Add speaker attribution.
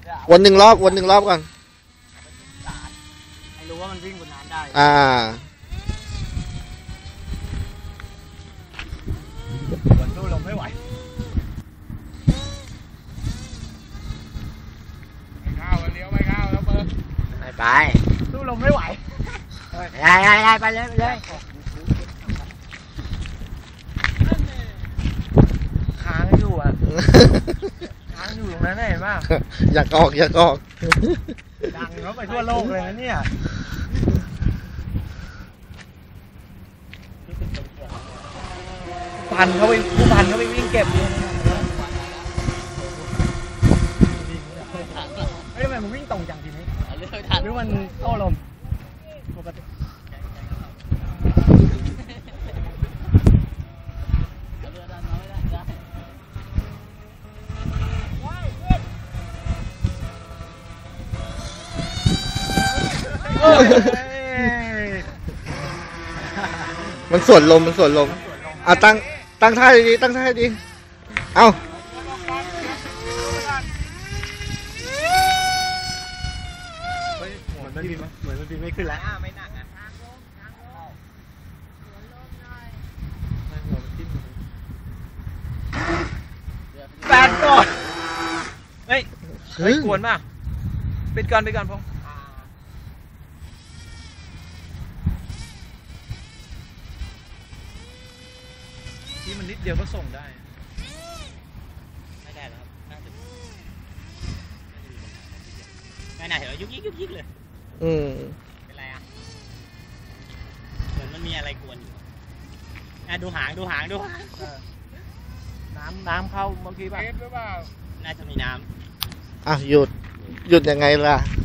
Speaker 1: วน1 รอบวน1 รอบก่อน
Speaker 2: ให้รู้ว่ามันวิ่งบนน้ำได้วนสู้ลมไม่ไหว
Speaker 3: ไม่เข้าเลี้ยวไม่เข้าแล้วเปิด
Speaker 2: ไปสู้ลมไม่ไหวได้ไปเลยค้างอยู่อ่ะค้างอยู่ตรงนั้นเห็นป่ะ
Speaker 1: อยากออก
Speaker 2: ดังเขาไปทั่วโลกเลยนะเนี่ยผู้พันเขาไปวิ่งเก็บเลยเฮ้ยทำไมมันวิ่งตรงจังทีนี้หรือมันโต้ลมปกติ
Speaker 1: มันสวนลมเอาตั้งท่าดีๆตั้งท่าดีเอา
Speaker 2: เหมือนมันบินไม่ขึ้นแล้วไม่หนักอ่ะแฟนก่อนเฮ้ยกวนป่ะปิดก่อนพงที่มันนิดเดียวก็ส่งได้ไม่ได้แล้วครับน่าเห็นว่ายุกยิกเลยเป็นไรอ่ะเหมือนมันมีอะไรกวนอยู่ดูหางน้ำเข้าเมื่อกี้ป่ะ
Speaker 3: หรือเปล่า
Speaker 2: น่าจะมีน้ำ
Speaker 1: หยุดยังไงล่ะ